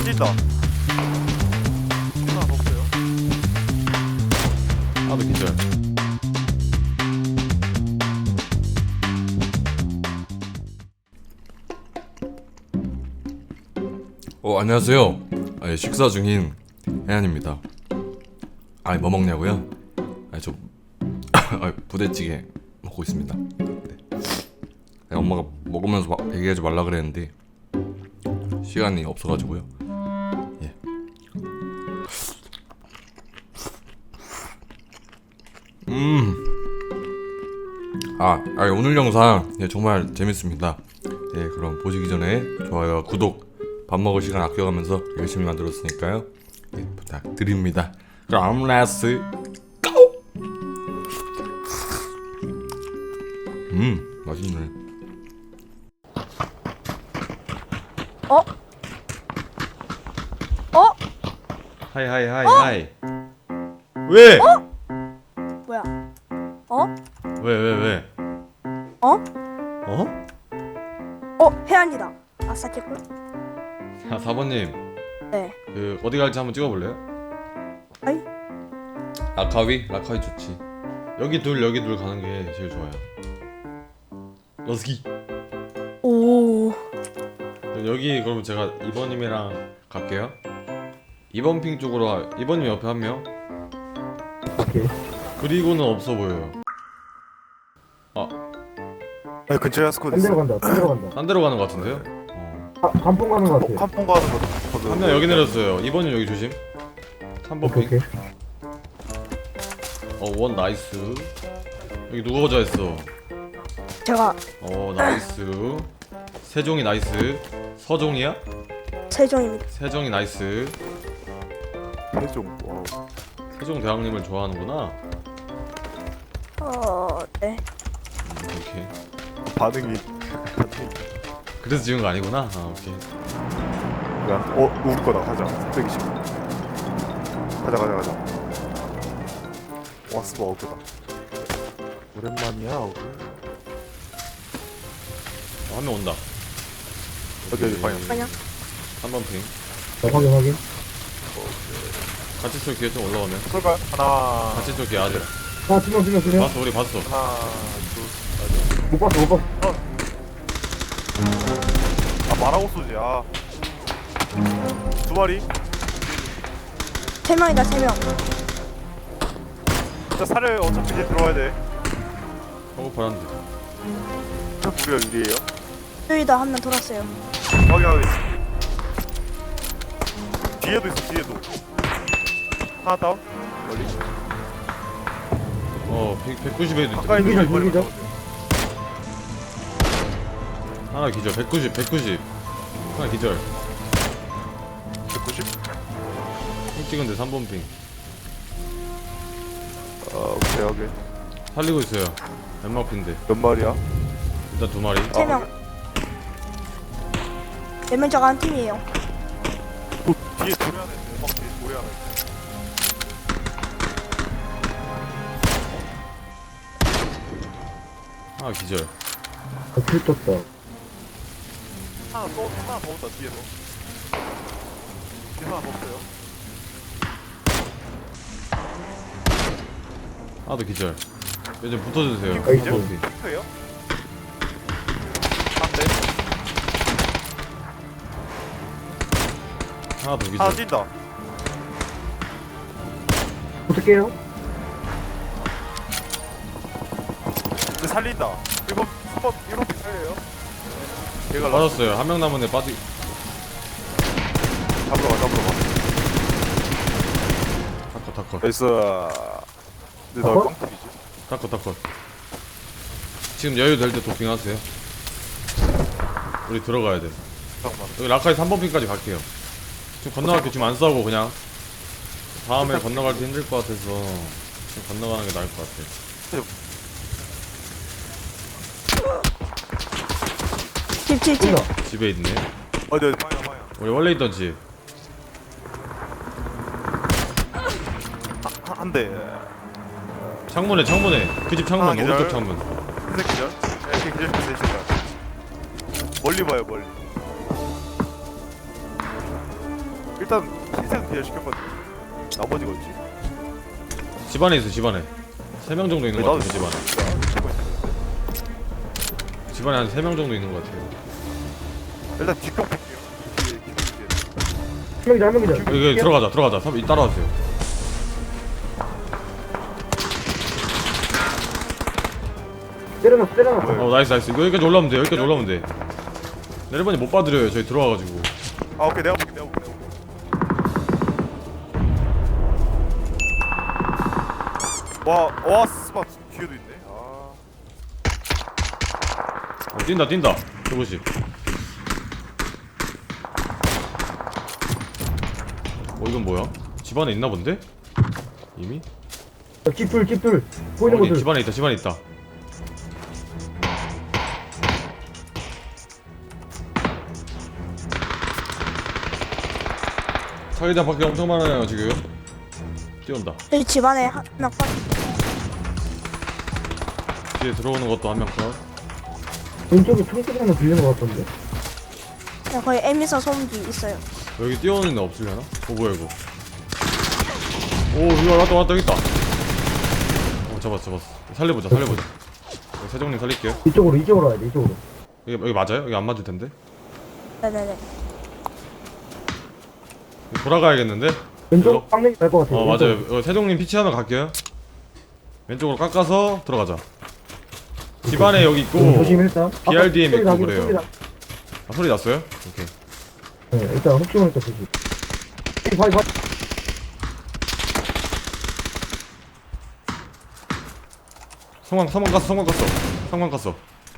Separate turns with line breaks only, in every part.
뛴다. 하나 더 없어요.
아도 기절. 안녕하세요. 식사 중인 혜안입니다. 뭐 먹냐고요? 저 부대찌개 먹고 있습니다. 네. 엄마가 먹으면서 얘기하지 말라 그랬는데 시간이 없어가지고요. 예. 오늘 영상 정말 재밌습니다. 그럼 보시기 전에 좋아요와 구독, 밥 먹을 시간 아껴가면서 열심히 만들었으니까요. 부탁드립니다. 그럼 렛츠 고! 맛있네. 하이. 왜?
뭐야?
왜?
혜안이다. 아싸 개꿀.
4번님
네.
어디 갈지 한번 찍어볼래요?
아이.
라카위 좋지. 여기 둘 가는 게 제일 좋아요. 러스기.
오.
여기 그러면 제가 2번님이랑 갈게요. 2번 핑 쪽으로 2번님 옆에 한 명.
오케이.
그리고는 없어 보여요.
근처에 스쿼드
딴
있어.
데로 간다. 딴 데로 간다.
딴 데로 가는 것 같은데요?
간풍 가는 거 같아.
칸풍 가는 거.
한 명 여기 내렸어요. 2번님 여기 조심. 3번
오케이,
핑.
오케이.
원 나이스. 여기 누가 거자했어?
제가
나이스. 세종이 나이스. 서종이야?
세종입니다.
세종이 나이스.
해좀.
세종 대왕님을 좋아하는구나.
네.
오케이.
반응이.
그래서 지은 거 아니구나. 오케이.
우리 거다. 가자. 320. 가자. 왔어, 어그다. 오랜만이야, 어그.
한 명 온다.
어디 방향.
그냥
3번 핑.
확인.
같이 쏠 기회 좀 올라오면.
쏠까요? 하나.
같이 쏠 기회 아직.
두명.
봤어, 우리 봤어.
하나, 둘.
못 봤어.
말하고 쏘지. 두 마리.
3명이다 3명.
진짜 살을 어차피 이제 들어와야 돼.
허겁하란데.
우리가 유리해요.
여기다 한 명 돌았어요.
확인하겠어. 뒤에도 있어, 뒤에도. 하나 다운. 멀리.
190에도 있다.
가까이 있는 거
여기죠?
하나 기절. 190. 하나 기절.
190?
핑 찍은데 3번 핑.
오케이.
살리고 있어요. 연막 핀데.
몇 마리야?
일단 2마리.
3명. 4명 저가 한 팀이에요.
뒤에 돌에 하나 있네. 뒤에 돌에 하나 있네.
하나 기절.
킬 떴다.
하나 더 온다, 뒤에서. 뒤에 하나 더 없어요.
하나도 기절. 요즘 붙어주세요.
이거 기절?
3번 핑.
핑크예요? 한 대.
하나 더
하나
기절.
뛴다.
어떡해요?
근데 살린다. 1번 살려요. 걔가
빠졌어요. 한 명 남은 애 빠지.
잡으러 가.
타커.
나이스. 근데 나 깡통이지.
타커. 지금 여유 될 때 도핑하세요. 우리 들어가야 돼.
잠깐만.
여기 라카이 3번 핑까지 갈게요. 지금 건너갈게. 지금 안 싸우고 그냥 다음에 건너갈 때 힘들 것 같아서 지금 건너가는 게 나을 것 같아.
집.
집에 있네.
어디 방향.
우리 원래 있던 집.
한 대.
창문에 그 집 창문.
하나 기절.
오른쪽 창문.
흰색 기절. 네, 기절. 멀리 봐요, 멀리. 일단 흰색 뒤에 시켰거든. 나머지가 어디?
집안에 있어 집안에 3명 정도 있는 것 같아요 집안에. 집안에 한 3명 정도 있는 것 같아요.
일단 뒷각 볼게요. 뒤에
한 명이다.
여기 들어가자 따라와주세요.
때려놨어.
나이스 이거 여기까지 올라오면 돼. 내려번이 못 봐드려요 저희 들어와가지고.
아 오케이 내가 볼게. 와 스마 뒤에도 있네.
뛴다 저것이. 이건 뭐야? 집안에 있나 본데? 이미?
집둘. 보이는
어디?
곳들.
집안에 있다. 자기장 밖에 엄청 많아요 지금. 뛰어온다.
여기 집안에 한명 컷.
뒤에 들어오는 것도 한 명 컷.
왼쪽에 총소리 하나 들리는 것 같던데.
거기 에미사 소음기 있어요.
여기 뛰어오는 애 없으려나? 뭐야 이거? 이거 왔다 여기 있다. 잡았어. 살려보자. 여기 세종님 살릴게요.
이쪽으로 와야 돼. 이쪽으로.
여기 맞아요? 여기 안 맞을 텐데.
네네네.
돌아가야겠는데?
왼쪽 빵냉이 날것 같아.
맞아요. 세종님 피치하면 갈게요. 왼쪽으로 깎아서 들어가자. 집안에 여기 있고
조심했다.
BRDM 있고
나긴
그래요. 소리 났어요? 오케이.
네, 일단 혹시 모르니까 조심. 봐.
성광 갔어.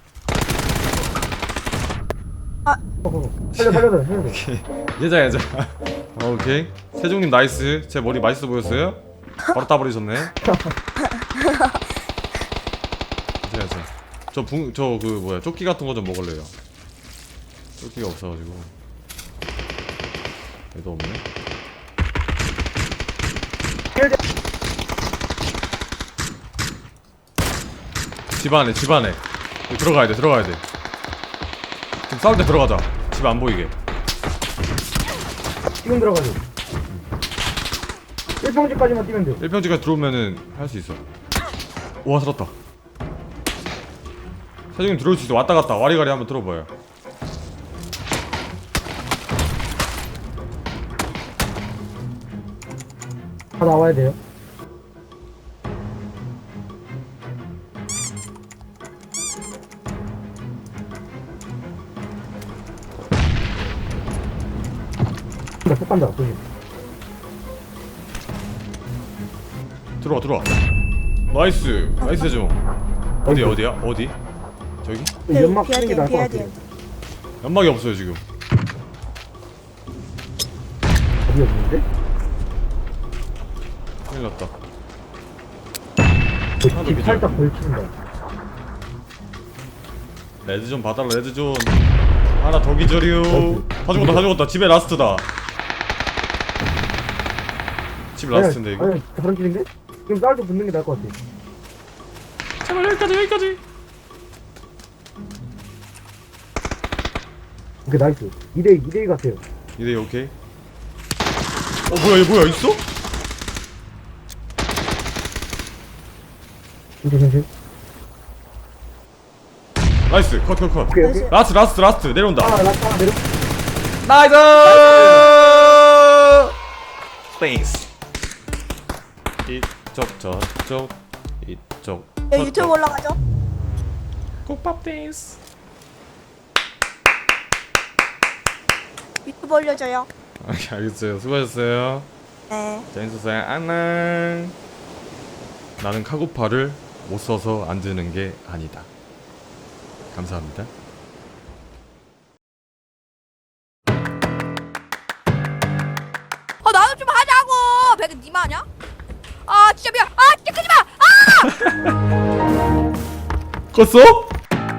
살려.
예자. 오케이. 세종님 나이스. 제 머리 맛있어 보였어요? 바로 따버리셨네. 저 조끼 같은 거 좀 먹을래요. 조끼가 없어가지고. 얘도 없네. 집안에. 여기 들어가야 돼. 지금 싸울 때 들어가자. 집 안 보이게.
지금 들어가죠. 1평지까지만 뛰면 돼요.
1평지까지 들어오면은 할 수 있어. 와 살았다. 사장님 들어올 수 있어. 왔다 갔다 와리가리 한번 들어봐요.
다 나와야 돼요. 속 간다. 조심.
들어와. 나이스 좀. 어디야? 저기?
연막 쓰는 게 나을 것
BRDM.
같아요.
연막이 없어요 지금.
어디 없는데?
큰일 났다.
그 집 살짝 걸친다.
레드존 봐달라. 레드존 하나 더 기절이요. 다 죽었다. 집에 라스트다. 집 라스트인데 이거.
아니, 다른 길인데? 지금 쌀도 붙는 게 나을 것 같아.
제발 여기까지.
오케이, 나이스. 2대2 같아요.
이대 오케이. 뭐야 있어?
조심.
나이스 컷.
오케이.
라스트 내려온다.
라스트 내려.
나이스! 스페이스. 이쪽 저쪽 이쪽.
여기 유튜브 올라가죠?
국밥 댄스.
유튜브 올려줘요.
알겠어요. 수고하셨어요.
네.
재밌었어요. 안녕. 나는 카고파를 못 써서 안 드는 게 아니다. 감사합니다.
나도 좀 하자고. 배그 니마 아냐? 진짜 미안. 진짜 끄지 마.
껐어?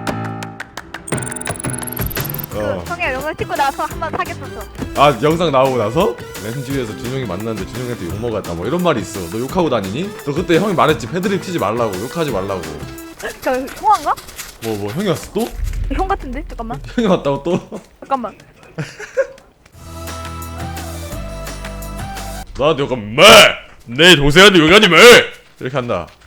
형이 영상 찍고 나서 한번 사귀었었어.
영상 나오고 나서 렌즈위에서 준영이 만났는데 준영이한테 욕먹었다 뭐 이런 말이 있어. 너 욕하고 다니니? 너 그때 형이 말했지. 패드립 치지 말라고. 욕하지 말라고.
저 형아인가?
뭐 형이 왔어 또?
형 같은데? 잠깐만.
형이 왔다고 또?
잠깐만.
나한테 욕하면 매! 내 동생한테 욕하지 마! 이렇게 한다.